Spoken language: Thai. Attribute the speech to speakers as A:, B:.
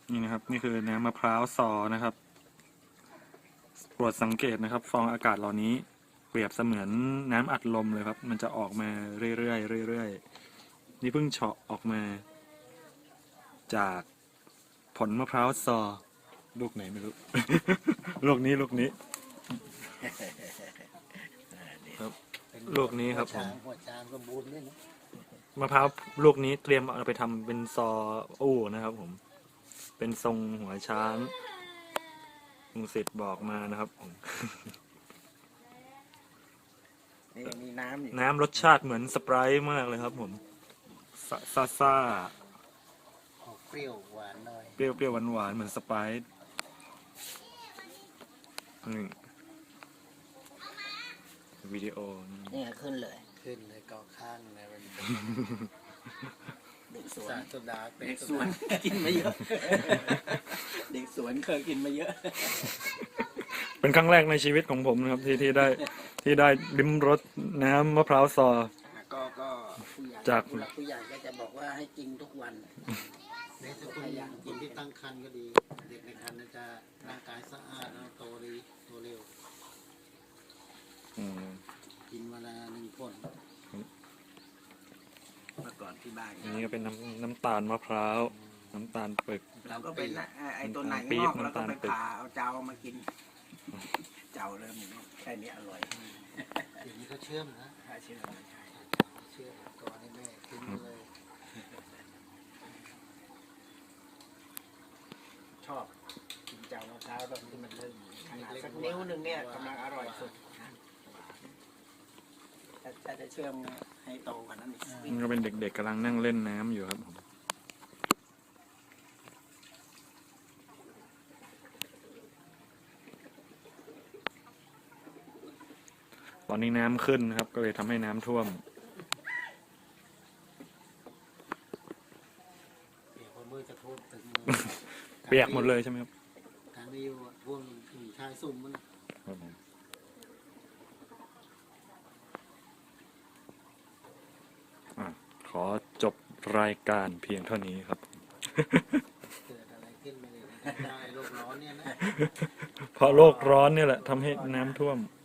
A: นี่นะครับนี่คือน้ำมะพร้าวซอนะครับโปรดสังเกตนะครับฟองอากาศเหล่านี้เปรียบเสมือนน้ำอัดลมเลยครับมันจะออกมาเรื่อยๆเรื่อยๆนี่เพิ่งเฉาะออกมาจากผลมะพร้าวซอลูกไหนไม่รู้ ลูกนี้ครับลูกนี้ครับผม
B: หัวช้างสมบูรณ์เนี่ยนะ
A: มะพร้าวลูกนี้เตรียมเอาไปทำเป็นซออู้นะครับผมเป็นทรงหัวช้างลุงศิษย์บอกมานะครับผม
C: นี่มีน้ำอยู่
A: น้ำรสชาติเหมือนสไปร์ท์มากเลยครับผมซ่า
B: ออกเปรี้ยวหวานหน่อย
A: เปรี้ยวหวานเหมือนสไปร์ท์นี่วิดีโอ
C: นี่ขึ้นเลย
B: ขึ้นเลยเกาะข้างเลยมัน
C: เด็กสว
B: สาน รโซดาเป็น
C: เด็กสวนกินมาเยอะ เด็กสวนเคยกินมาเยอะ
A: เป็นครั้งแรกในชีวิตของผมนะครับที่ได้ลิ้มรสน้ำมะพร้าวซอ
C: ก็ผู้ใหญ่
A: จาก
C: ผู้ใหญ่ก็จะบอกว่าให้กินทุกวัน
B: ในสกุลคนที่ตั้งครรภ์ก็ดี เด็กในครรภ์จะร่างกายสะอาดแล้วโตดีโตเร็ว
A: อืม
B: กินเวลา1 ผล
C: เมื่อก่อนที่บ้าน
A: อันนี้ก็เป็นน้ำตาลมะพร้าวน้ำตาลปึก
C: เราก็เป็นไอ้ตัวไหน
A: ปี๊
C: ง
A: บอก
C: แล้วก็ไป
A: น้ำตาลปี๊บ
C: ผ่าเอาเจ้ามากิน เจ้าเริ่มแค่นี้อร่อย
B: เดี๋ยวนี้เขาเชื่อมนะ
C: ถ้าเชื่อ
B: เชื่อมก่อนให้แม่กินเลย
C: ชอบกินเจ้ามะพร้าวตอนที่มันเริ่มขนาดสักนิ้วหนึ่งเนี่ยกำลังอร่อยสุดถ้าจะเชื่อมให้โตกว่านั้นอีก
A: นี่ก็เป็นเด็กๆกำลังนั่งเล่นน้ำอยู่ครับผมตอนนี้น้ำขึ้นนะครับ ก็เลยทำให้น้ำท่วม
B: เปียกมือจะท่วมถึง
A: เปียกหมดเลยใช่ไหมครับ
B: ทางนี้อยู่ท่วมถึงชายสุ่มมัน
A: ครับผมขอจบรายการเพียงเท่านี้ครับ
B: เกิดอะไรขึ้นมาเลยได้โลกร้อนเนี่ยนะ
A: เพราะโลกร้อนเนี่ยแหละทำให้น้ำท่วม
B: เ